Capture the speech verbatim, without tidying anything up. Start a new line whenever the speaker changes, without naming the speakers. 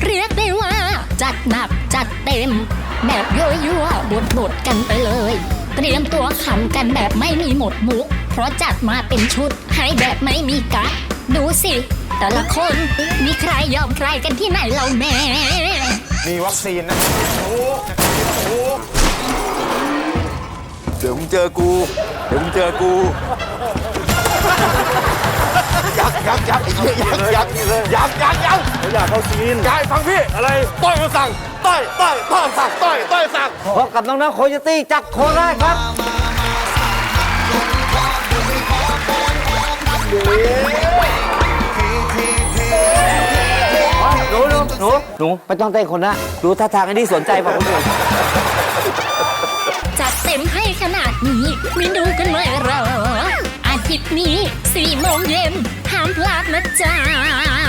เรียกได้ว่าจัดหนักจัดเต็มแบบยั่วๆบดๆกันไปเลยเตรียมตัวขำกันแบบไม่มีหมดมุกเพราะจัดมาเป็นชุดให้แบบไม่มีกั๊กดูสิแต่ละคนมีใครยอมใครกันที่ไหนเราแม่
มีวัคซีนนะเดี๋ยวมึงเจอกูเดี๋ยวมึงเจอกูยักยักยักยักยักยักยักยัก
อยากเข้าซีน
กายฟังพี่อะไรต้อยมาสั่งต้อยต้อยต้อยสั่งต้อยต้อยสั่ง
พบกับน้องๆโคโยตี้จากโคราชครับหนูหนูหนูหนูไม่ต้องเต้นคนนะดูท่าทางอันนี้สนใจป่ะคนอื่น
จัดเต็มให้ขนาดนี้ไม่ดูกันเลยเหรออาทิตย์นี้สี่โมงเย็นห้ามพลาดนะจ๊ะ